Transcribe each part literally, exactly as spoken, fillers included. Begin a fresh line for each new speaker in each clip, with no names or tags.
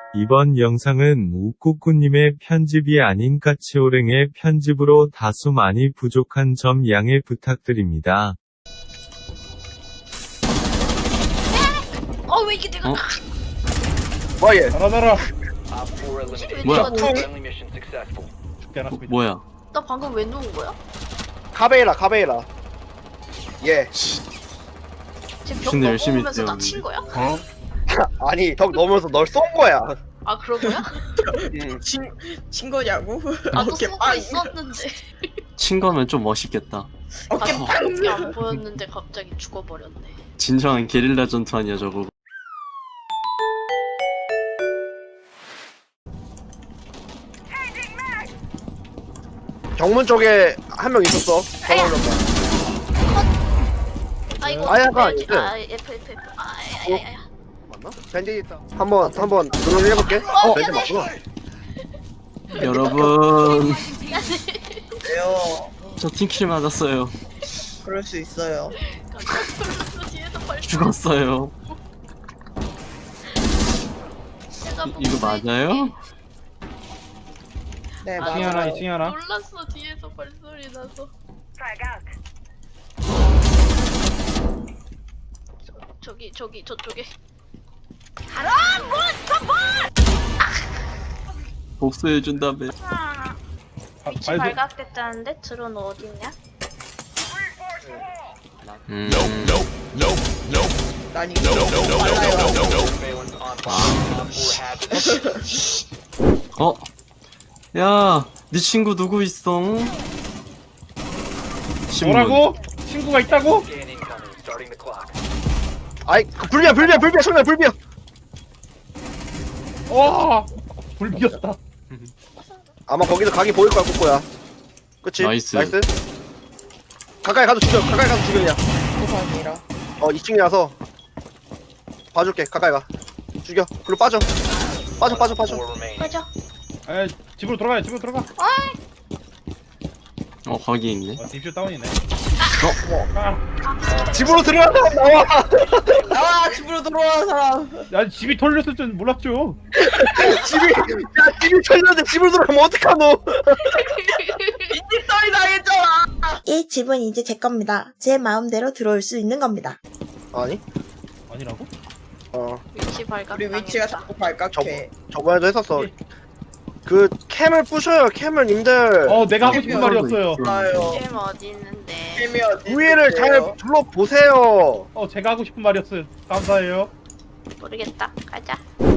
이번 영상은 우꾸꾸님의 편집이 아닌 까치오랭의 편집으로 다소 많이 부족한 점 양해 부탁드립니다.
어 왜 이게 내가
어?
뭐 얘?
알아 알아.
왜
뭐야?
내가 누-
죽게 않았습니다.
뭐야?
나 방금 왜 누운 거야?
카베이라 카베이라. 예.
지금 벽
근데 열심히
넘어오면서 나
뛰었는데.
친 거야?
아니 벽 넘어서 널 쏜 거야.
아 그런 거야?
응.
친, 친 거냐고?
나도
어깨
쏘고
빵!
있었는데
친 거면 좀 멋있겠다.
어깨
아,
빵!
이게 안 보였는데 갑자기 죽어버렸네.
진정한 게릴라 전투 아니야 저거.
정문 쪽에 한 명 있었어. 저거 올렸다.
아 이거
아야가
어떻게
아니지?
해야지? 아 F F F 아야야야야.
맞나? 밴디 있다. 한번 한번 눈을 해볼게. 어, 밴디 맞구나.
여러분
왜요?
저 팀킬 맞았어요.
그럴 수 있어요.
뒤에서 벌써
죽었어요.
내가
이, 이거 맞아요?
네,
아,
이층에 하나,
맞아요.
이층에 하나.
놀랐어 뒤에서 발소리 나서. 저, 저기 저기 저쪽에.
복수해준다며.
아,
위치
발도-
발각됐다는데 드론 어딨냐?
음.
난 이거 빨라요.
어? 야, 네 친구 누구 있어? 신문.
뭐라고? 친구가 있다고?
아이 그 불비야 불비야 불비야 청년 불비야.
와, 불 비었다.
아마 거기서 각이 보일 거야 꼬꼬야. 그치?
나이스.
나이스. 가까이 가서 죽여. 가까이 가서 죽여 그냥.
세상이라.
어 이 층이라서 봐줄게. 가까이 가. 죽여. 그리고 빠져. 빠져 빠져 빠져.
맞아.
에, 집으로 들어가요. 집으로 들어가.
어, 거기 있네.
어, 딥쇼 다운이네.
어?
아,
집으로 들어가서 나와.
나와! 집으로 들어와, 사람!
야, 집이 털렸을 줄 몰랐죠.
집이 야 집이 털렸는데 집으로 들어가면 어떡하노?
이집 떨이 당했잖아!
이 집은 이제 제 겁니다. 제 마음대로 들어올 수 있는 겁니다.
아니?
아니라고?
어
위치 발각.
우리 위치가 자꾸 발각해.
저번에도 했었어. 그 캠을 부셔요 캠을 님들.
어, 내가 하고 싶은 말이었어요.
나요.
게임 어디 있는데?
게임이 어디
위에를 잘
있어요?
둘러보세요.
어, 제가 하고 싶은 말이었어요. 감사해요.
모르겠다. 가자.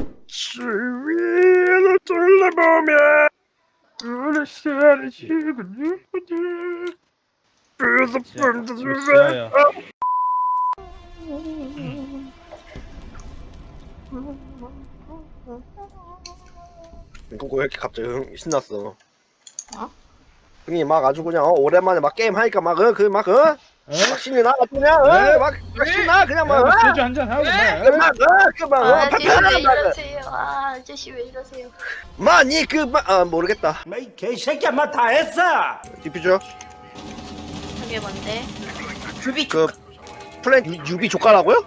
주위를 둘러보면 우리 시간이 지금 그래서
이거 지하야.
이거 왜 이렇게 갑자기 흥- 신났어?
어?
형이 막 아주 그냥 어, 오랜만에 막 게임 하니까 막그막 어?
에?
막 신이 나 그냥
네?
어? 막, 막 신나 그냥 막
야,
어?
소주 한잔 하고
막그막 어?
아,
그
아저씨
막
왜
어?
이러세요? 아, 아저씨 왜 이러세요?
많이 그막아 모르겠다.
이 개새끼야 마 다 했어.
디퓨저
저게 뭔데?
불비
그 플랜 유- 유비 조카라고요?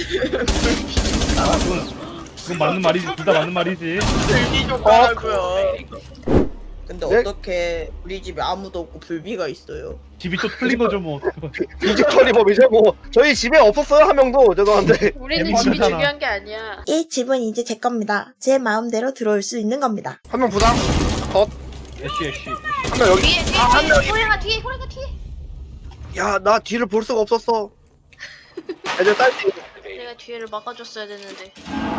그건 맞는 말이지. 둘 다 맞는 말이지.
불비 좀 하라고요. 근데
네?
어떻게 우리 집에 아무도 없고 불비가 있어요?
집이 또 틀린 거죠, 뭐.
디지털이 법이죠 뭐. 저희 집에 없었어요 한 명도 죄송한데.
우리는
재밌잖아.
집이 중요한 게 아니야.
이 집은 이제 제 겁니다. 제 마음대로 들어올 수 있는 겁니다.
한 명 부상.
애쉬, 애쉬.
한 명 여기.
뒤에 뒤에
아, 한
뒤에
명이.
호랭아 뒤에 호랭아 뒤에.
야 나 뒤를 볼 수가 없었어. 애들 딸기.
내가 뒤에를 막아줬어야 됐는데.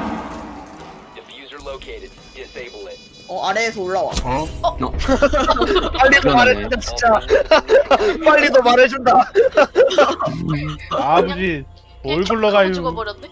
어, 아래에서 올라와.
빨리도 말해준다 진짜. 빨리도 말해준다.
아버지, 뭘
그냥 척
굴러가요.
하고 죽어버렸네.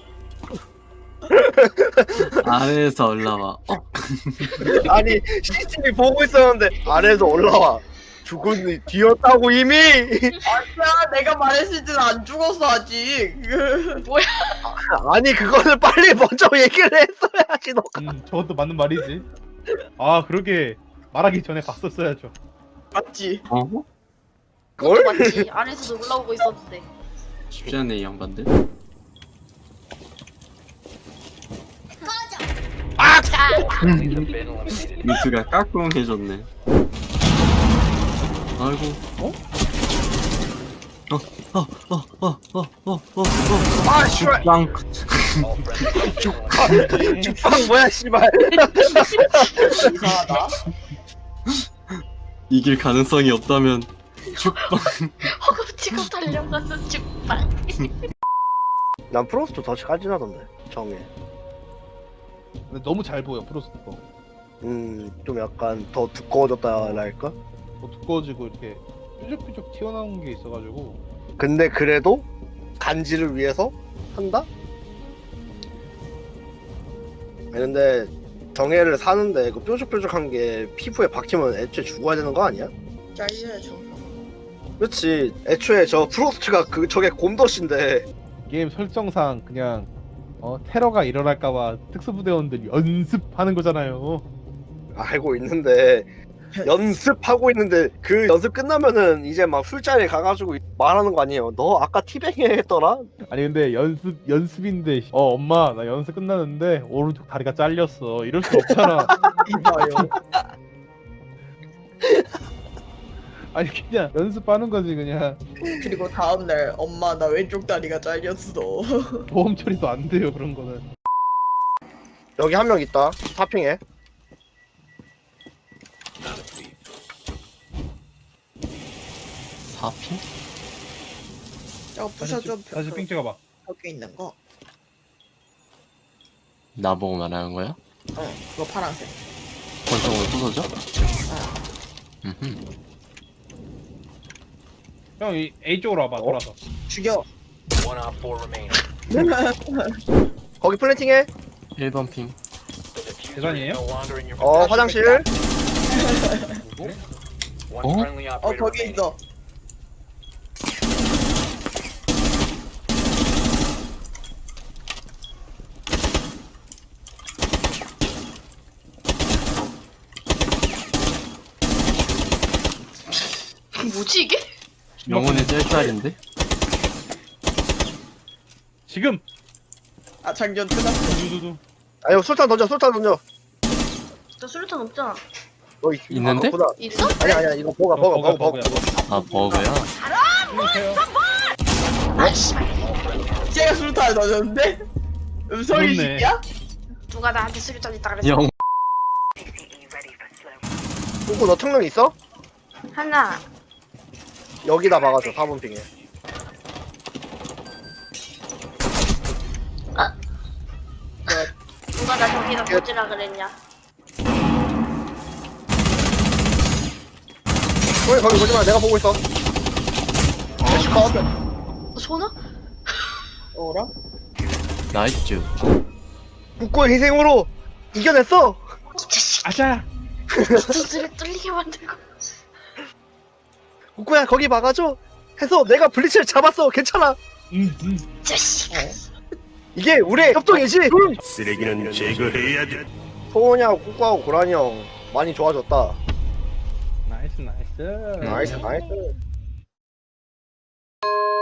아래에서 올라와. 어?
아니 씨씨티비 보고 있었는데 아래에서 올라와. 죽은 뒤였다고 이미.
야, 내가 말했을 때는 안 죽었어, 아직.
뭐야?
아니 그거를 빨리 먼저 얘기를 했어야지 너.
음, 저것도 맞는 말이지. 아, 그러게 말하기 전에 봤었어야죠.
맞지?
어?
그것도
뭘?
맞지. 아래에서도 올라오고 있었는데.
쉽지 않네 이 양반들.
아!
자.
민트가 까꿍해줬네. 아이고. 어? 어, 어, 어, 어, 어, 어, 어, 어.
아 씨발
빵.
죽방 죽방 뭐야 씨발
이상하다.
이길 가능성이 없다면 죽빵.
허겁지겁 달려가서 죽방.
난 프로스트 더 까진하던데 정해
근데 너무 잘 보여 프로스트 거.
음좀 약간 더 두꺼워졌다랄까
뭐 두꺼워지고 이렇게 뾰족뾰족 튀어나온 게 있어가지고.
근데 그래도 간지를 위해서 한다? 아니 근데 정해를 사는데 그 뾰족뾰족한 게 피부에 박히면 애초에 죽어야 되는 거 아니야?
잘려야죠.
그렇지 애초에 저 프로스트가 그 저게 곰덫인데
게임 설정상 그냥 어 테러가 일어날까봐 특수부대원들이 연습하는 거잖아요.
알고 있는데 연습하고 있는데 그 연습 끝나면은 이제 막 술자리에 가가지고 말하는 거 아니에요. 너 아까 티뱅이 했더라?
아니 근데 연습 연습인데 어 엄마 나 연습 끝났는데 오른쪽 다리가 잘렸어 이럴 수 없잖아.
이봐요.
아니 그냥 연습하는 거지 그냥.
그리고 다음날 엄마 나 왼쪽 다리가 잘렸어.
보험 처리도 안 돼요 그런 거는.
여기 한 명 있다. 파핑해.
사핑?
저거 부셔줘.
다시 삥 찍어봐.
벽에 있는 거.
나보고 말하는 거야?
어 그거 파란색.
권총으로 부서져? 음흠.
형 이 A 쪽으로 와봐 돌아서.
죽여.
거기 플랜팅해.
일 번 핑.
계산이에요?
어 화장실.
어?
어 거기 있어.
뭐지 이게?
영혼의 짤짤인데?
지금.
아 장전 끝났어.
두두두.
아니 술탄 던져. 술탄 던져.
나 수류탄 없잖아.
너 있-
있는데?
아, 그거보다-
있어?
아니 아니야 이거 버거
어,
버거 버거
버거야,
버거.
아 버그야?
아 씨발.
제가 수류탄을 넣었는데 음성이
그렇네.
식이야?
누가 나한테 수류탄 있다 그랬어?
영.
그거 너 특능 있어?
하나.
여기다 막아줘. 사 번 핑에.
누가 나 저기다 꽂으라 그랬냐?
거기 거기 보지 마. 내가 보고 있어. 대시 컷.
어, 소나?
어라?
나이스.
국고의 희생으로 이겨냈어.
이 자식.
아자.
두드려 뚫리게 만들고.
국고야 거기 막아줘. 해서 내가 블리츠를 잡았어. 괜찮아.
음, 음.
이 자식.
이게 우리의 협동이지.
쓰레기는 제거해야지.
소원이하고 국고하고 고라니 형 많이 좋아졌다.
나이스 나이스.
나이스 나이스.